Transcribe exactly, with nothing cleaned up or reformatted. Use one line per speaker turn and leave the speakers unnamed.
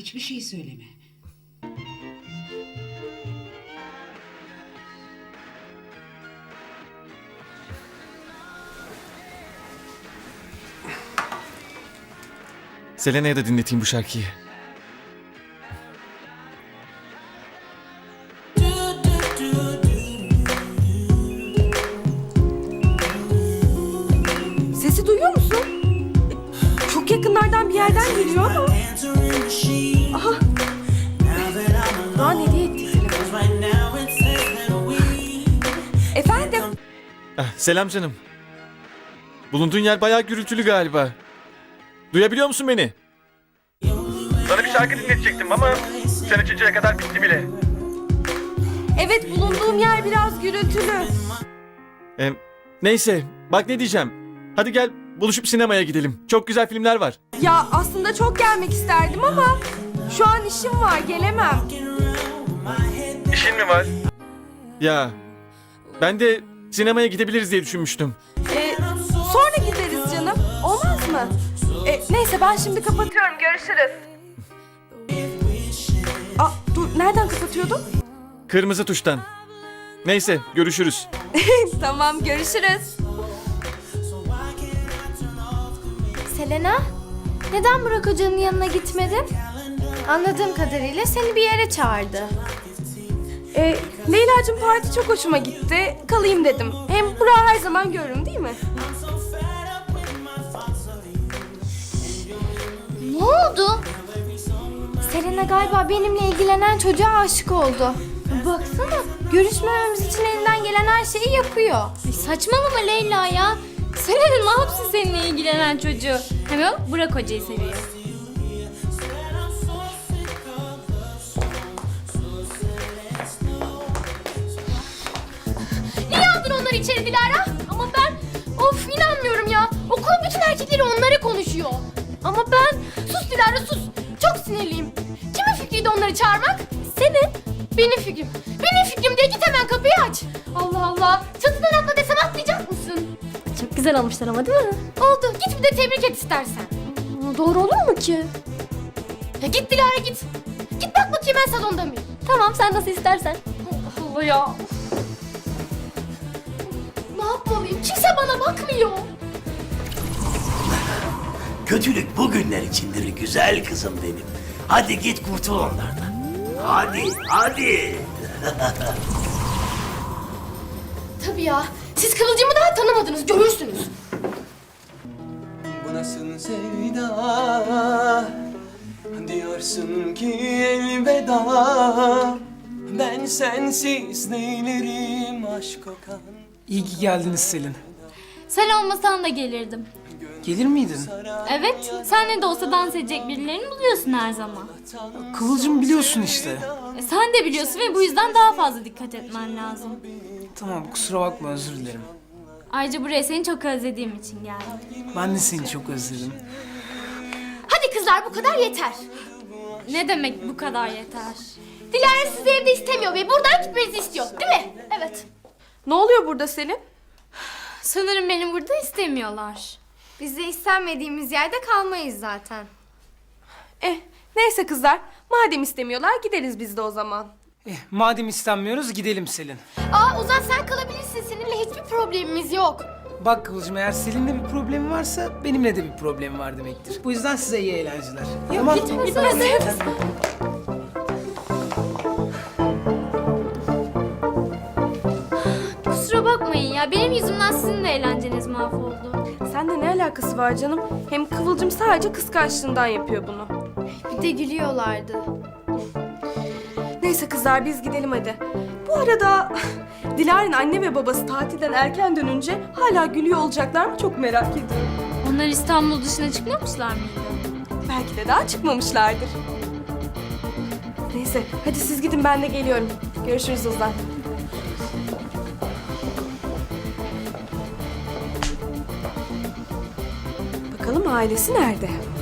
hiçbir şey söyleme.
Selena'ya da dinleteyim bu şarkıyı.
Sesi duyuyor musun? Çok yakınlardan bir yerden geliyor ama. Aha. Doğan hediye etti telefonu. Efendim?
Ah, selam canım. Bulunduğun yer bayağı gürültülü galiba. Duyabiliyor musun beni? Sana bir şarkı dinletecektim ama sen açıncaya kadar bitti bile.
Evet, bulunduğum yer biraz gürültülü.
Ee, neyse, bak ne diyeceğim. Hadi gel buluşup sinemaya gidelim. Çok güzel filmler var.
Ya aslında çok gelmek isterdim ama şu an işim var, gelemem.
İşin mi var? Ya ben de sinemaya gidebiliriz diye düşünmüştüm.
Ee, sonra gideriz canım. Olmaz mı? Ee, neyse ben şimdi kapatıyorum. Görüşürüz. Aa, dur nereden kapatıyordum?
Kırmızı tuştan. Neyse görüşürüz.
Tamam, görüşürüz.
Selena, neden Burak Hoca'nın yanına gitmedin? Anladığım kadarıyla seni bir yere çağırdı.
Ee, Leyla'cığım parti çok hoşuma gitti. Kalayım dedim. Hem Burak'ı her zaman görürüm değil mi?
Ne oldu? Selena galiba benimle ilgilenen çocuğa aşık oldu. Baksana, görüşmememiz için elinden gelen her şeyi yapıyor.
Ay saçmalama Leyla ya. Selena ne yapsın seninle ilgilenen çocuğu? Hem o Burak Hoca'yı seviyor.
Niye aldın onları içeri Dilara? Ama ben, of inanmıyorum ya. Okulun bütün erkekleri onları konuşuyor. Ama ben, sus Dilara sus. Çok sinirliyim. Kimin fikriydi onları çağırmak? Senin. Benim fikrim. Benim fikrim diye git hemen kapıyı aç. Allah Allah. Çatıdan atla desem atlayacak mısın?
Çok güzel olmuşlar ama değil mi?
Oldu. Git bir de tebrik et istersen.
Doğru olur mu ki?
Ya git Dilara git. Git bak bakayım ben salonda mıyım?
Tamam sen nasıl istersen.
Allah Allah ya. Ne yapmalıyım? Kimse bana bakmıyor.
Kötülük bugünler içindir güzel kızım benim. Hadi git kurtul onlardan. Hadi, hadi.
Tabii ya. Siz Kıvılcım'ı daha tanımadınız. Görürsünüz.
Bu nasıl sevda? Diyorsun ki elveda. Ben sensiz neylerim aşk kokan.
İyi ki geldiniz Selin.
Sen olmasan da gelirdim.
Gelir miydin?
Evet, sen ne de olsa dans edecek birilerini buluyorsun her zaman.
Kıvılcım biliyorsun işte.
E, sen de biliyorsun ve bu yüzden daha fazla dikkat etmen lazım.
Tamam kusura bakma özür dilerim.
Ayrıca buraya seni çok özlediğim için geldim.
Ben de seni çok özledim.
Hadi kızlar bu kadar yeter.
Ne demek bu kadar yeter?
Dilara sizi evde istemiyor ve buradan gitmenizi istiyor. Değil mi? Evet.
Ne oluyor burada Selim?
Sanırım beni burada istemiyorlar.
Biz de istenmediğimiz yerde kalmayız zaten.
Eh, neyse kızlar. Madem istemiyorlar gideriz biz de o zaman.
Eh, madem istenmiyoruz gidelim Selin.
Aa Ozan sen kalabilirsin. Seninle hiçbir problemimiz yok.
Bak Kıvılcım eğer Selin'le bir problemi varsa benimle de bir problemi var demektir. Bu yüzden size iyi eğlenceler. Yok
Gitmeseniz.
Kusura bakmayın ya, benim yüzümden sizin de eğlenceniz mahvoldu.
Sende ne alakası var canım? Hem Kıvılcım sadece kıskançlığından yapıyor bunu.
Bir de gülüyorlardı.
Neyse kızlar biz gidelim hadi. Bu arada Dilara'nın anne ve babası tatilden erken dönünce hala gülüyor olacaklar mı çok merak ediyorum.
Onlar İstanbul dışına çıkmamışlar mıydı?
Belki de daha çıkmamışlardır. Neyse hadi siz gidin ben de geliyorum. Görüşürüz Ozan. Bakalım ailesi nerede?